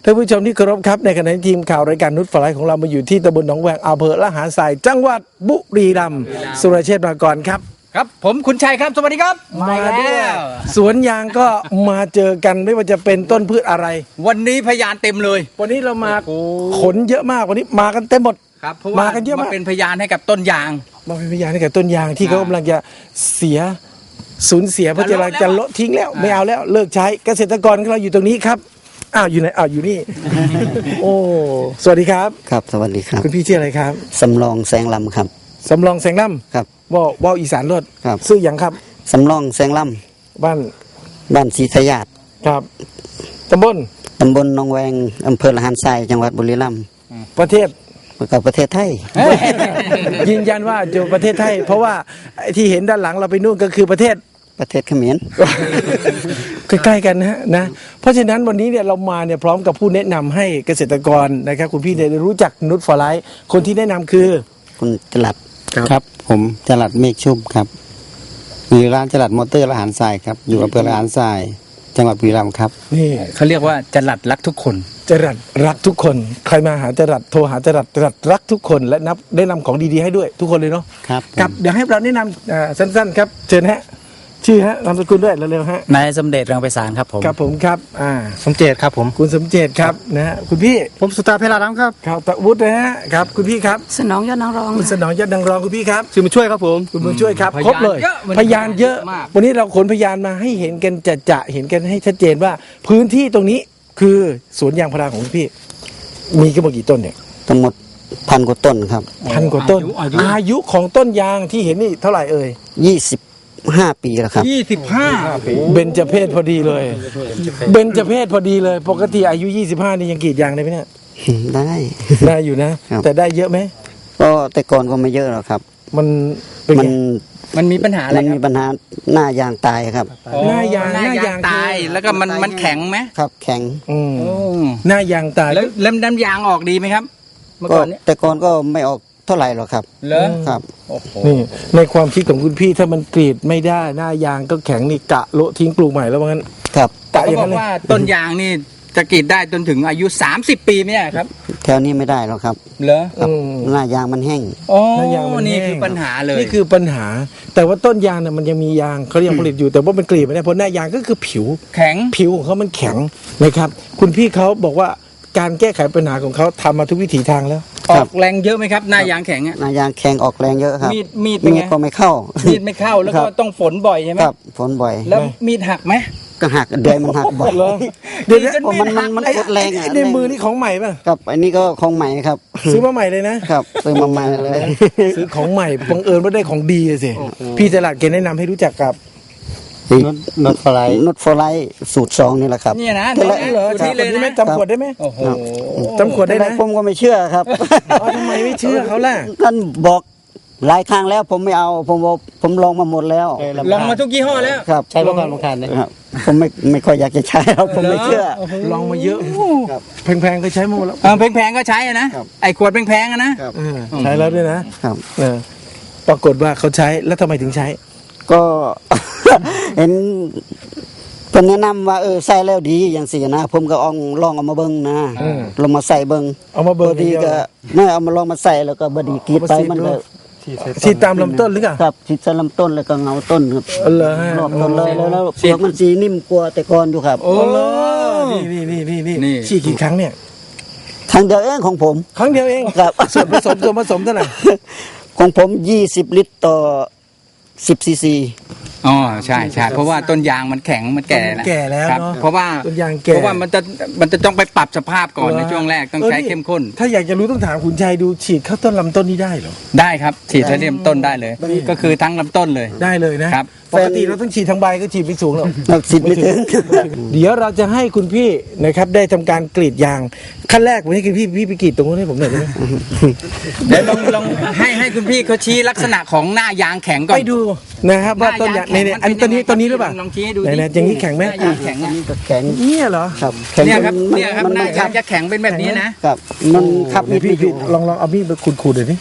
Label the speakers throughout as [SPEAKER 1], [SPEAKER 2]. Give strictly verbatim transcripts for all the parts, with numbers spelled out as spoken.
[SPEAKER 1] ท่านผู้ชมที่เคารพครับในขณะที่ทีมข่าวรายการนุชฟลายของเรามาอยู่ที่ตำบลหนองแวงอำเภอละหารทรายจังหวัดบุรีรัมย์สุรเชษฐ์มาก่อนครับ
[SPEAKER 2] ครับผมคุณชัยครับสวัสดีครับ
[SPEAKER 1] มาด้วยสวนยางก็มาเจอกันไม่ว่าจะเป็นต้นพืชอะไร
[SPEAKER 2] วันนี้พยานเต็มเลย
[SPEAKER 1] วันนี้เรามาขนเยอะมากวันนี้มากันเต็มหมด
[SPEAKER 2] ครับเพราะว่ามาเป็นพยานให้กับต้นยาง
[SPEAKER 1] มาเป็นพยานให้กับต้นยางที่เขากำลังจะเสียสูญเสียเพราะจะจะละทิ้งแล้วไม่เอาแล้วเลิกใช้เกษตรกรของเราอยู่ตรงนี้ครับอ้าวอยู่ไหนอ้าวอยู่นี่ โอ้สวัสดีครับ
[SPEAKER 3] ครับสวัสดีครับ
[SPEAKER 1] คุณพี่ชื่ออะไรครับ
[SPEAKER 3] สำรองแสงลำครับ
[SPEAKER 1] สำรองแสงลำ
[SPEAKER 3] ครับ
[SPEAKER 1] ว่าว่าอีสานรถ
[SPEAKER 3] ครับ
[SPEAKER 1] ซื้ออย่างครับ
[SPEAKER 3] สำรองแสงล
[SPEAKER 1] ำบ้าน
[SPEAKER 3] บ้านศรีสยาด
[SPEAKER 1] ครับตำบล
[SPEAKER 3] ตำบลหนองแวงอำเภอละหารทรายจังหวัดบุรีรัมย์
[SPEAKER 1] ประเทศ
[SPEAKER 3] กับประเทศไทย
[SPEAKER 1] ยืนยันว่าอยู่ประเทศไทยเพราะว่าที่เห็นด้านหลังเราไปนู่นก็คือประเทศ
[SPEAKER 3] ประเทศเขมร
[SPEAKER 1] ใกล้ๆกันนะนะเพราะฉะนั้นวันนี้เนี่ยเรามาเนี่ยพร้อมกับผู้แนะนำให้เกษตรกรนะครับคุณพี่ได้รู้จักนุชฟลายคนที่แนะนำคือ
[SPEAKER 3] คุณจรัสครับผมจรัสเมฆชุ่มครับอยู่ร้านจรัสมอเตอร์ละหารทรายครับอยู่อำเภอละหารทรายจังหวัดบุรีรัมย์ครับ
[SPEAKER 1] นี่
[SPEAKER 2] เขาเรียกว่าจรัสรักทุกคน
[SPEAKER 1] จรัสรักทุกคนใครมาหาจรัสโทรหาจรัสจรัสรักทุกคนและนับได้นำของดีๆให้ด้วยทุกคนเลยเนาะ
[SPEAKER 3] ครับ
[SPEAKER 1] ครับเดี๋ยวให้เราแนะนำสั้นๆครับเชิญฮะชื่อฮะนามสกุลด้วยเร็วๆฮะ
[SPEAKER 4] นายสมเด็จรังไพศาลครับผม
[SPEAKER 1] ครับผมครับอ่า
[SPEAKER 4] สมเจตครับผม
[SPEAKER 1] คุณสมเจตครับนะฮะคุณพี่
[SPEAKER 4] ผมสุตาเพลารัมครับ
[SPEAKER 1] ครับตะวุฒินะฮะครับคุณพี่ครับ
[SPEAKER 5] สนองยอดนางรอง
[SPEAKER 1] คุณสนองยอดนางรองคุณพี่ครับ
[SPEAKER 4] ชื่อมาช่วยครับผม
[SPEAKER 1] คุณบุญช่วยครับครบเลยพยานเยอะวันนี้เราขนพยานมาให้เห็นกันจะจะเห็นกันให้ชัดเจนว่าพื้นที่ตรงนี้คือสวนยางพาราของคุณพี่มีกี่กี่ต้นเนี่ย
[SPEAKER 3] ทั้งหมดพันกว่าต้นครับ
[SPEAKER 1] พันกว่าต้นอายุของต้นยางที่เห็นนี่เท่าไหร่เอ่ย
[SPEAKER 3] ยี่สิบห้าปีแล้วครับ
[SPEAKER 2] ยี่สิบห้า
[SPEAKER 1] เบญจเพศพอดีเลยเบญจเพศพอดีเลยปกติอายุยี่สิบห้านี่ยังกรีดยางได้ไหมเนี่ย
[SPEAKER 3] ได้
[SPEAKER 1] ได้อยู่นะแต่ได้เยอะไหม
[SPEAKER 3] ก็แต่ก่อนก็ไม่เยอะหรอกครับ
[SPEAKER 1] มัน
[SPEAKER 3] มัน
[SPEAKER 2] มันมีปัญหาอะไร
[SPEAKER 3] มันมีปัญหาหน้ายางตายครับ
[SPEAKER 1] หน้ายาง
[SPEAKER 2] หน้ายางตายแล้วก็มันมันแข็งไหม
[SPEAKER 3] ครับแข็ง
[SPEAKER 1] อืมหน้ายางตาย
[SPEAKER 2] แล้วเล่มน้ำยางออกดีไหมครับ
[SPEAKER 3] เมื่อก่อนแต่ก่อนก็ไม่ออกเท่าไหร่หรอกครับ
[SPEAKER 2] เหรอ
[SPEAKER 3] ครับ
[SPEAKER 1] นี่ในความคิดของคุณพี่ถ้ามันกรีดไม่ได้หน้ายางก็แข็งนี่กะโละทิ้งปลูกใหม่แล้วว่างั้น
[SPEAKER 3] ครับ
[SPEAKER 1] กะอย่าง
[SPEAKER 2] นั้นเลยว่าต้นยางนี่จะกรีดได้จนถึงอายุสามสิบปีไหมครับ
[SPEAKER 3] แถวนี้ไม่ได้หรอกครับ
[SPEAKER 2] เหรอ
[SPEAKER 3] หน้ายางมันแห้ง
[SPEAKER 2] อ๋อหน้ายางมันนี่คือปัญหาเลย
[SPEAKER 1] นี่คือปัญหาแต่ว่าต้นยางเนี่ยมันยังมียางเขายังผลิตอยู่แต่ว่ามันกรีดไม่ได้เพราะหน้ายางก็คือผิว
[SPEAKER 2] แข็ง
[SPEAKER 1] ผิวของเขามันแข็งนะครับคุณพี่เขาบอกว่าการแก้ไขปัญหาของเขาทำมาทุกวิถีทางแล้ว
[SPEAKER 2] ออกแรงเยอะไหมครับหน้ายางแข็งอ่ะ
[SPEAKER 3] หน้ายางแข็งออกแรงเยอะครับ
[SPEAKER 2] มีดมีด
[SPEAKER 3] มีดก็ไม่เข้า
[SPEAKER 2] มีดไม่เข้าแล้วก็ต้องฝนบ่อยใช่ไหม
[SPEAKER 3] ครับฝนบ่อย
[SPEAKER 2] แล้วมีดหักไหม
[SPEAKER 3] ก็หักเดือยมันหักบ่อย
[SPEAKER 1] เดี๋ยว
[SPEAKER 3] มันมันมันกดแรงอ่ะ
[SPEAKER 1] ในมือนี่ของใหม่ป่ะ
[SPEAKER 3] ครับอันนี้ก็ของใหม่ครับ
[SPEAKER 1] ซื้อมาใหม่เลยนะครับ
[SPEAKER 3] ซื้อมาใหม่เลย
[SPEAKER 1] ซื้อของใหม่บังเอิญว่าได้ของดีสิพี่ตลาดเกณฑ์แนะนำให้รู้จักกับ
[SPEAKER 3] นุชฟลายนุชฟลายสูตรสองนี่แหละครับ
[SPEAKER 2] นี่นะ
[SPEAKER 1] เหรอที่เลยไหมจำขวดได้ไหม
[SPEAKER 2] โอ้โห
[SPEAKER 1] จำขวดได้ไหม
[SPEAKER 3] ผมก็ไม่เชื่อครับ
[SPEAKER 1] ทำไมไม่เชื่อเขาล่ะ
[SPEAKER 3] ท่านบอกหลายครั้งแล้วผมไม่เอาผมบอกผมลองมาหมดแล้ว
[SPEAKER 2] ลองมาทุกยี่ห้อแล้ว
[SPEAKER 3] ครับ
[SPEAKER 4] ใช้ประกันลงทานเลย
[SPEAKER 3] ครับผมไม่ไม่ค่อยอยากจะใช้ครับผมไม่เชื่อ
[SPEAKER 1] ลองมาเยอะแพงๆก็ใช้มาหมดแล้ว
[SPEAKER 2] แพงๆก็ใช้นะไอ้ขวดแพงๆนะ
[SPEAKER 1] ใช้แล้วด้วยนะครับปรากฏว่าเขาใช้แล้วทำไมถึงใช้
[SPEAKER 3] ก็ เห็นเพิ่นแนะนำว่าเออใส่แล้วดีอย่างสี่นะผมก็ลองลองเอามาเบิ่งนะลองมาใส่เบิ่ง
[SPEAKER 1] เอามาเบิ่ง
[SPEAKER 3] ดีก็ไม่เอามาลองมาใส่แล้วก็บ่ดีกรีดไปมันก็
[SPEAKER 1] ฉีดตามลำต้นหรือเปล่า
[SPEAKER 3] ครับฉีดตามลำต้นแล้วก็เงาต้นครับรอบต้นเลยแล้วแล้วเปลือกมันสีนิ่มกว่าแต่ก่อนอยู่ครับ
[SPEAKER 1] โอ้นี่นี่นี่นี่นี่ฉีดกี่ครั้งเนี่ย
[SPEAKER 3] ครั้งเดียวเองของผม
[SPEAKER 1] ครั้งเดียวเอง
[SPEAKER 3] ครับ
[SPEAKER 1] ส่วนผสมส่วนผสมเท่าไหร่
[SPEAKER 3] ของผมยี่สิบลิตรต่อสิบซีซี
[SPEAKER 2] อ๋อใช่ใช่เพราะว่าต้นยางมันแข็งมันแก่แล้ว
[SPEAKER 1] แก่แล้วเนาะ
[SPEAKER 2] เพราะว่า
[SPEAKER 1] ต้นยางแก่
[SPEAKER 2] เพราะว่ามันจะมันจะต้องไปปรับสภาพก่อนในช่วงแรกต้องใช้เข้มข้น
[SPEAKER 1] ถ้าอยากจะรู้ต้องถามคุณชัยดูฉีดเข้าต้นลำต้นนี้ได้เหรอ
[SPEAKER 2] ได้ครับฉีดเริ่มต้นได้เลยก็คือทั้งลำต้นเลย
[SPEAKER 1] ได้เลยนะครับปกติเราต้องฉีดทั้งใบก็ฉีดไปสูงหรอก
[SPEAKER 3] ฉีดไม่ถึง
[SPEAKER 1] เดี๋ยวเราจะให้คุณพี่นะครับได้ทำการกรีดยางขั้นแรกผมให้คุณพี่พี่ไปกรีดตรงนู้นให้ผมหน่อยได้ไหม
[SPEAKER 2] เดี๋ยวลองลองให้ให้คุณพี่เขาชี้ลักษณะของหน้ายางแข็งก่อน
[SPEAKER 1] ไปดูนะครับว่าต้นยางในอันนี้ต้นนี้ต้นนี้หรือเปล่า
[SPEAKER 2] ลองชี้ให้ดู
[SPEAKER 1] ไหนๆอย่างนี้แข็งไหม
[SPEAKER 2] แข็ง
[SPEAKER 3] นี่ก็แข็ง
[SPEAKER 1] เนี่ยเหรอ
[SPEAKER 3] ครับ
[SPEAKER 2] เนี่ยครับเนี่ยครับหน้ายางจะแข็งเป็นแบบนี้นะ
[SPEAKER 3] ครับมันขับมีด
[SPEAKER 1] พี่ลองลองเอามีดไปขูดๆหน่อยดิ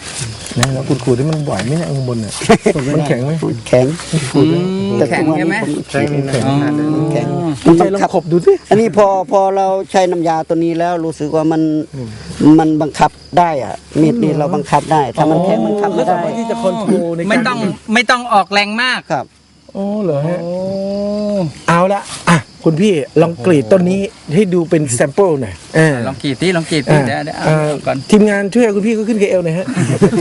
[SPEAKER 1] นะแล้วขูดๆที่มันไหวไหมเนี่ยข้างบนเนี่ยมันแข็งไหม
[SPEAKER 3] แข็ง
[SPEAKER 2] อืม
[SPEAKER 3] แต่
[SPEAKER 2] แข็ง
[SPEAKER 3] ทุกวัน
[SPEAKER 2] ใช่ไหม
[SPEAKER 3] นี้ผมขีดไม่ได้
[SPEAKER 2] อ๋อ
[SPEAKER 3] แข็ง
[SPEAKER 1] คุณใจลองขบดูสิ
[SPEAKER 3] อันนี้พอพอเราใช้น้ำยาตัวนี้แล้วรู้สึกว่ามันมันบังคับได้อะมีดนี้เราบังคับได้ ถ้ามันแข็งมันคับ
[SPEAKER 1] แล้
[SPEAKER 3] ไม่
[SPEAKER 1] วสา
[SPEAKER 3] ได้
[SPEAKER 1] มารถที่จะคอนโทรลในการ
[SPEAKER 2] ไม่ต้องไม่ต้องออกแรงมาก
[SPEAKER 3] ครับ
[SPEAKER 1] โอ้เหรอฮะ
[SPEAKER 2] โอ้
[SPEAKER 1] เอาละอ่ะคุณพี่ลองกรีดต้นนี้ให้ดูเป็นแซมเปิลหน่อยเออ
[SPEAKER 2] ลองกรีดที่ลองกรีดที่
[SPEAKER 1] อ่า
[SPEAKER 2] เดี๋ยวเดี๋ยวเอา
[SPEAKER 1] อ่า
[SPEAKER 2] ก่อน
[SPEAKER 1] ทีมงานช่วยคุณพี่เขาขึ้นเคเอลหน่อยฮะ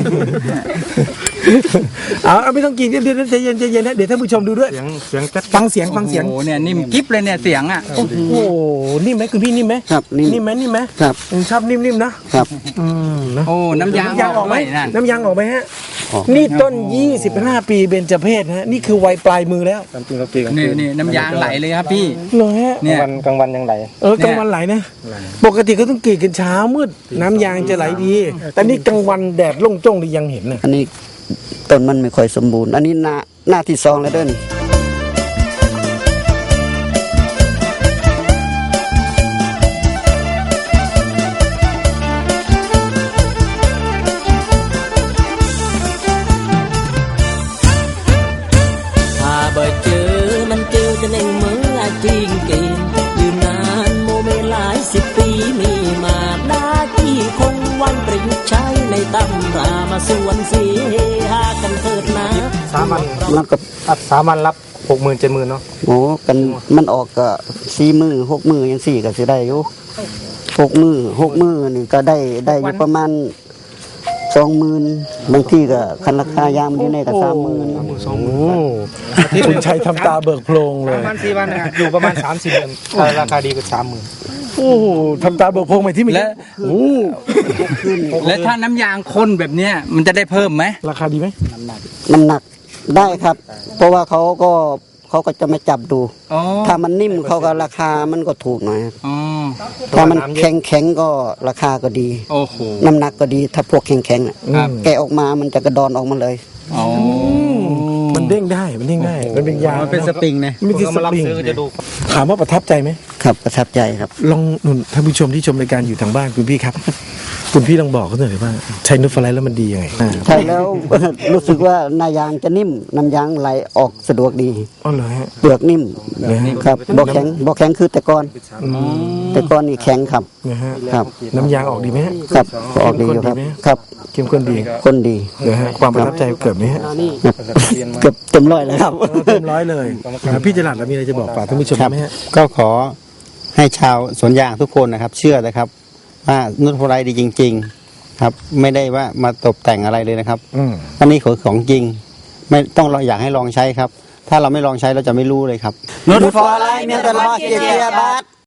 [SPEAKER 1] เอาเอาไม่ต้องกรีดเดี๋ยวเดี๋ยวใจเย็นใจเย็นนะเดี๋ยวท่านผู้ชมดูด้วย
[SPEAKER 4] เสียงเสียงจัด
[SPEAKER 1] ฟังเสียงฟังเสียง
[SPEAKER 2] โอ้โหเนี่ยนิ่มกิ๊บเลยเนี่ยเสียงอ่ะ
[SPEAKER 1] โอ้โหนิ่มไหมคุณพี่นิ่มไหม
[SPEAKER 3] ครับนี่
[SPEAKER 1] นิ่มไหมนิ่มไหม
[SPEAKER 3] ครับ
[SPEAKER 1] อืมชอบนิ่มๆนะครับ อืมนะ
[SPEAKER 2] โอ้น้ำยาง
[SPEAKER 1] น้ำยางออกไหม
[SPEAKER 2] ด้วยนั่น
[SPEAKER 1] น้ำยางออกไหมฮะ
[SPEAKER 3] ออก
[SPEAKER 1] นี่ต้นยี่สิบห้าปีเบญจเพศฮะนี่คือวัยปลายมือแล้ว
[SPEAKER 4] กลางคืนเราตีกลาง
[SPEAKER 2] นี่
[SPEAKER 4] คืน
[SPEAKER 2] นี่น้ำยางไหลเลยครับพี่
[SPEAKER 1] เหรอฮะ
[SPEAKER 2] เนี่ย
[SPEAKER 4] กลางวันกลางวันยังไหล
[SPEAKER 1] เออกลางวันไหลนะ ปกติก็ต้องกรีดกันเช้ามืดน้ำยางจะไหลดี แต่นี่กลางวันแดดล่งจ้งเลยยังเห็นนะ
[SPEAKER 3] อันนี้ต้นมันไม่ค่อยสมบูรณ์ อันนี้หน้าหน้าที่สองแล้วเด้น
[SPEAKER 5] ถ้าบ่เจอมันเจอจะเน่งเมื่อจริงเกณฑ์ยืนนานโมเมหลายสิบปีมีมาหน้าที่คงวันประยุกต์ใช้ในตำรามาส่วนเสียหากันเถิดนะ
[SPEAKER 4] สามัญ
[SPEAKER 3] แล้วก็
[SPEAKER 4] อัดสามัญรับหกหมื่นเจ็ดหมื่นเนาะ
[SPEAKER 3] โอ้กันมันออกก็สี่มือหกมือยังสี่ก็สิได้อยู่หกมือหกมือนี่ก็ได้ได้อยู่ประมาณสองหมื่นบางที่ก็คันราคายางมันอยู่ในก็สามหมื่น
[SPEAKER 4] สองห
[SPEAKER 1] โอ้
[SPEAKER 4] มื่น
[SPEAKER 1] คุณชัยทำตาเบิกโพลงเลย
[SPEAKER 4] ประมาณสี่วันนะอยู่ประมาณสามสิบเดือนราคาดีกว่าสามหมื่น
[SPEAKER 1] โอ้โหทำตาเบิกโพลงไปที่มี
[SPEAKER 2] และ
[SPEAKER 1] โอ้
[SPEAKER 2] แล้วถ้าน้ำยางข้นแบบเนี้ยมันจะได้เพิ่มไหม
[SPEAKER 1] ราคาดีไหม
[SPEAKER 3] น้ำหนักได้ครับ เพราะว่าเขาก็เขาก็จะมาจับดู
[SPEAKER 2] อ๋อ
[SPEAKER 3] ถ้ามันนิ่มเขาก็ราคามันก็ถูกหน่อยครับ
[SPEAKER 2] อ๋อ
[SPEAKER 3] ถ้ามันแข็งแข็งๆก็ราคาก็ดี
[SPEAKER 2] โอ้โห
[SPEAKER 3] น้ำหนักก็ดี ถ้าพวกแข็งแข็งๆน่ะ
[SPEAKER 2] ครับ
[SPEAKER 3] แกะออกมามันจะกระดอนออกมาเลย
[SPEAKER 2] อ๋อ
[SPEAKER 1] มันเด้งได้มันเด้งได้มันเป็นยาง
[SPEAKER 2] มันเป็นสปริงนะ
[SPEAKER 1] ไม่ใช่ส
[SPEAKER 4] มารับ
[SPEAKER 1] ปริง
[SPEAKER 4] ซื้อจะดู
[SPEAKER 1] ถามว่าประทับใจไหม
[SPEAKER 3] ครับประทับใจครับ
[SPEAKER 1] ลองหนุนท่านผู้ชมที่ชมรายการอยู่ทางบ้านคุณพี่ครับ คุณพี่ลองบอกเขาหน่อยว่าใช้นูตฟลายแล้วมันดียังไงอ่า
[SPEAKER 3] ใช่แล้ว รู้สึกว่าหน้ายางจะนิ่มน้ำยางไหลออกสะดวกดี
[SPEAKER 1] อ๋อเหรอฮะ
[SPEAKER 3] เปลือกนิ่ม
[SPEAKER 1] นะฮะ
[SPEAKER 3] ครับบอกแข็งบอกแข็งคือแต่ก่อน
[SPEAKER 1] อืม
[SPEAKER 3] แต่ก่อนนี่แข็งครับ
[SPEAKER 1] นะฮะ
[SPEAKER 3] ครับ
[SPEAKER 1] น้ำยางออกดีไหมฮะ
[SPEAKER 3] ครับออกดีอยู่ครับ ครับ
[SPEAKER 1] เข้มข้นดี
[SPEAKER 3] คนดี
[SPEAKER 1] นะฮะความประทับใจเกิดไหมฮะ
[SPEAKER 3] เกือบเต็มร้อยแล้วครับ
[SPEAKER 1] เต็มร้อยเลยอ่าพี่จรัสเรามีอะไรจะบอกฝากท่านผู้ชม
[SPEAKER 6] ครับ
[SPEAKER 1] ไหมฮะ
[SPEAKER 6] ก็ขอให้ชาวสวนยางทุกคนนะครับ เชื่อนะครับ ว่านุชโพไลดีจริง ๆ ครับ ไม่ได้ว่ามาตกแต่งอะไรเลยนะครับ
[SPEAKER 1] อืม
[SPEAKER 6] อันนี้คือของจริง ไม่ต้องเราอยากให้ลองใช้ครับ ถ้าเราไม่ลองใช้เราจะไม่รู้เลยครับ
[SPEAKER 3] นุชฟอร์ไลน์เมียนตลอดเกียร์บาท